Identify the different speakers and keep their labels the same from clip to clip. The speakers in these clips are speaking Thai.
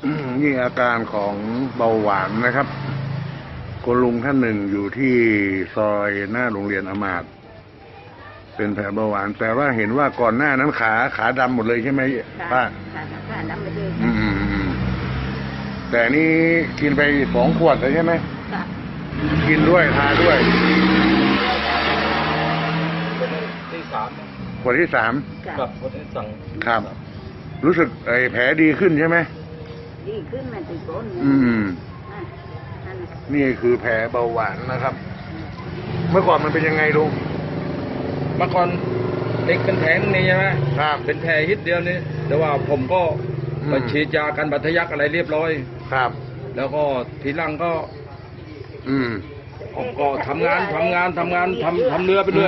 Speaker 1: นี่อาการของเบาหวานนะครับคุณลุงท่านหนึ่งอยู่ที่ซอยหน้าโรงเรียนอมาตย์เป็นแผลเบาหวานแต่ว่าเห็นว่าก่อนหน้านั้นขาดำหมดเลยใช่ไหมป้า
Speaker 2: ขาดำไปเลย
Speaker 1: แต่นี่กินไป2 ขวดเลยใช่ไหม
Speaker 2: ค่ะ
Speaker 1: กินด้วยทาด้วย
Speaker 3: ที่3
Speaker 1: ขวดที่ 3
Speaker 3: กับคนที่สั่ง
Speaker 1: ครับรู้สึกแผลดีขึ้นใช่ไหม
Speaker 2: ดีขึ้นมันติดก้น
Speaker 1: นี่คือแผลเบาหวานนะครับ เมื่อก่อนมันเป็นยังไงลุง
Speaker 3: เมื่อก่อนเด็กเป็นแผลนี่ใช่ไหม
Speaker 1: ครับ
Speaker 3: เป็นแผลฮิตเดียวนี้แต่ว่าผมก็ไปฉีดยากันบาดทะยักอะไรเรียบร้อย
Speaker 1: ครับ
Speaker 3: แล้วก็ทีหลังก็ก็ทำเรือไปเรื่อย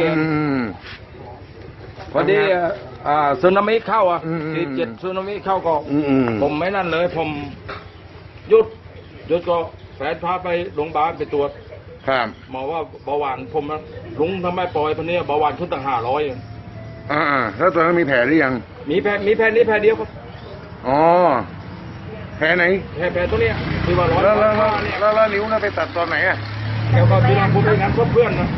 Speaker 3: พอดีสึนามิเข้าที7สึนามิเข้าก็ผมไม่นั่นเลยผมหยุดก็แฟนพาไปโรงพยาบาลไปตรวจ
Speaker 1: ครับ
Speaker 3: หมอว่าเบาหวานผมนะลุงทำไมปล่อยพวกนี้เบาหวานขึ้นตั้ง500
Speaker 1: แล้วตอนนั้นมีแผลหรือยัง
Speaker 3: มีแผลนี้แผลเดียวครับ
Speaker 1: อ๋อแผลไหน
Speaker 3: แผลตัวเนี้ยที่ว่าร้อย
Speaker 1: แล้วนิ้วน่ะไปตัดตอนไหน
Speaker 3: แล้วก็ที่เราพูดงานเพื่อนนะ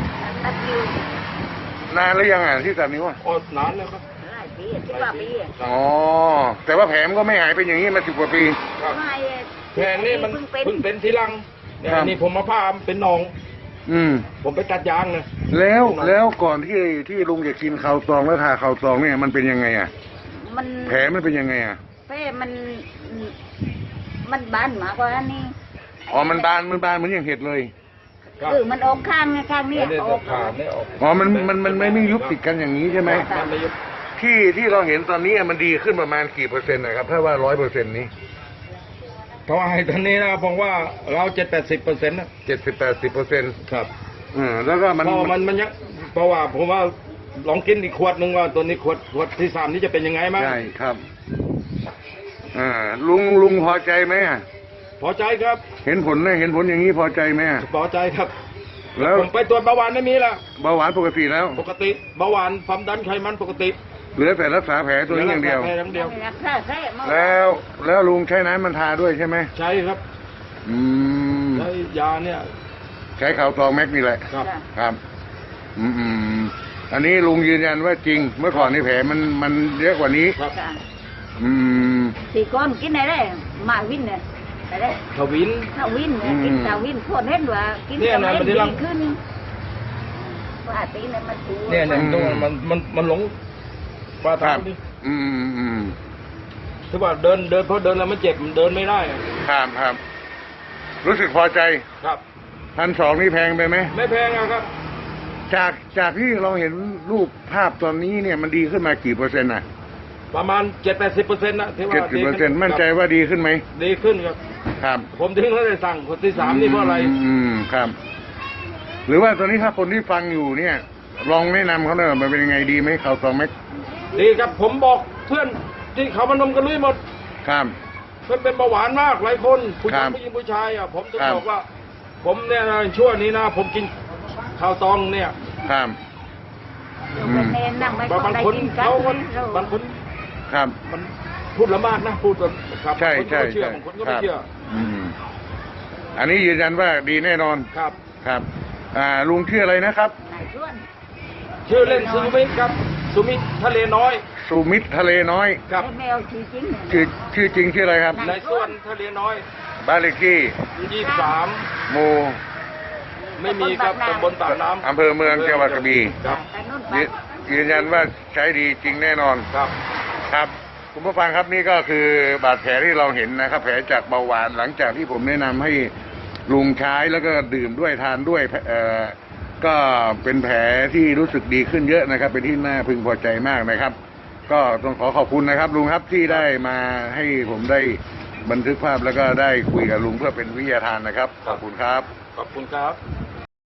Speaker 1: นานแล้วยังที่ตัดนิ้ว
Speaker 3: นานแล้วครับ
Speaker 2: หลายปี10 ปี
Speaker 1: อ๋อแต่ว่าแผลมันก็ไม่หายเป็นอย่างนี้มา10 กว่าปี
Speaker 3: แผลนี่มันเพิ่งเป็นทีหลังนี่ผมมาพาเป็นหนองผมไปตัดยางนะ
Speaker 1: แล้วก่อนที่ลุงจะกินข้าวตองแล้วทาข้าวตองเนี่ยมันเป็นยังไงแผลมันเป็นยังไง
Speaker 2: แผลมันบานมากกว่านี้
Speaker 1: มันบานเหมือนอย่างเห็ดเลย
Speaker 2: มันออกข้างนี้ออก
Speaker 1: มันไม่ยุบติดกันอย่างนี้ใช่ไหมที่เราเห็นตอนนี้มันดีขึ้นประมาณกี่เปอร์เซ็นต์นะครับถ้าว่า100%นี้
Speaker 3: เพราะว่าตอนนี้นะผมว่าเรา70-80%นะ
Speaker 1: 70-80%
Speaker 3: ครับ
Speaker 1: แล้วก็มัน
Speaker 3: ยังเพราะว่าผมว่าลองกินอีกขวดหนึ่งว่าตัวนี้ขวดที่3นี้จะเป็นยังไงมั้ง
Speaker 1: ใช่ครับลุงพอใจไหม
Speaker 3: พอใจครับ
Speaker 1: เห็นผลอย่างนี้พอใจไหม
Speaker 3: พอใจครับแล้วผมไปตรวจเบาหวานไม่มีละ
Speaker 1: เบาหวานปกติแล้ว
Speaker 3: ปกติเบาหวานความดันไขมันปกติ
Speaker 1: เหลือแต่รักษาแผลตัวนี้อย่างเดียวแล้วลุงใช้น้ำมันทาด้วยใช่ไหม
Speaker 3: ใช่ครับใช้ยาเนี่ย
Speaker 1: ใช้ข่าวตองแม็กนี่แหละครับอันนี้ลุงยืนยันว่าจริงเมื่อก่อนนี่แผลมันเยอะกว่านี้
Speaker 2: สี่ก้อนกินอะไรมาวินเนี่ยอะไร
Speaker 3: ทวิน
Speaker 2: กินทวินพวกเห็นว่ากินทวินดีขึ้นว่าตีเนี่ยมันถู
Speaker 3: เนี่ยตรงมันหลงปลาทางนี่ถือว่าเดินเพราะเดินแล้วมันเจ็บมันเดินไม่ได้
Speaker 1: ครับรู้สึกพอใจ
Speaker 3: ครับ
Speaker 1: 1,200นี่แพงไปไหม
Speaker 3: ไม่แพงครับ
Speaker 1: จากที่เราเห็นรูปภาพตอนนี้เนี่ยมันดีขึ้นมากี่เปอร์เซ็นต์
Speaker 3: ประมาณ70%นะที่ว่า
Speaker 1: 70%มั่นใจว่าดีขึ้นไหม
Speaker 3: ดีขึ้นครับผมถึงเขาได้สั่งคนที่3นี่เพราะอะไร
Speaker 1: ครับหรือว่าตอนนี้ถ้าคนที่ฟังอยู่เนี่ยลองแนะนำเขาหน่อยมันเป็นยังไงดีไหมข่าวตองแม็ก
Speaker 3: ดีครับผมบอกเพื่อนที่เขามานมกันลุยหมด
Speaker 1: ครับ
Speaker 3: เป็นเบาหวานมากหลายคนผู้หญิงผู้ชายผมต้องบอกว่าผมเนี่ยช่วงนี้นะผมกินข้าวตองเนี่ย
Speaker 1: ครับ
Speaker 3: บางคน
Speaker 1: ครับ
Speaker 3: มันพูดละมากนะพูดแบบ
Speaker 1: ใช่
Speaker 3: บางคนก็ไม่เชื่อ
Speaker 1: อันนี้ยืนยันว่าดีแน่นอนครับลุงชื่ออะไรนะครับ
Speaker 3: ชื่อเล่นสุมิตรครับสุมิตรทะเลน้อย
Speaker 1: สุมิตรทะเลน้อย
Speaker 2: ครับแมวชื่อจริง
Speaker 1: ชื่ออะไรครับ
Speaker 3: นายส่วนทะเลน้อย
Speaker 1: บ้านเลขที่
Speaker 3: 23
Speaker 1: หมู่
Speaker 3: ไม่มีครับตำบลปากน้ำ
Speaker 1: อำเภอเมืองจังหวัดกระบี่ยืนยันว่าใช้ดีจริงแน่นอนครับคุณผู้ฟังครับนี่ก็คือบาดแผลที่เราเห็นนะครับแผลจากเบาหวานหลังจากที่ผมแนะนำให้ลุงใช้แล้วก็ดื่มด้วยทานด้วยก็เป็นแผลที่รู้สึกดีขึ้นเยอะนะครับเป็นที่น่าพึงพอใจมากนะครับก็ต้องขอบคุณนะครับลุงครับที่ได้มาให้ผมได้บันทึกภาพแล้วก็ได้คุยกับลุงเพื่อเป็นวิทยาทานนะครับขอบคุณครับ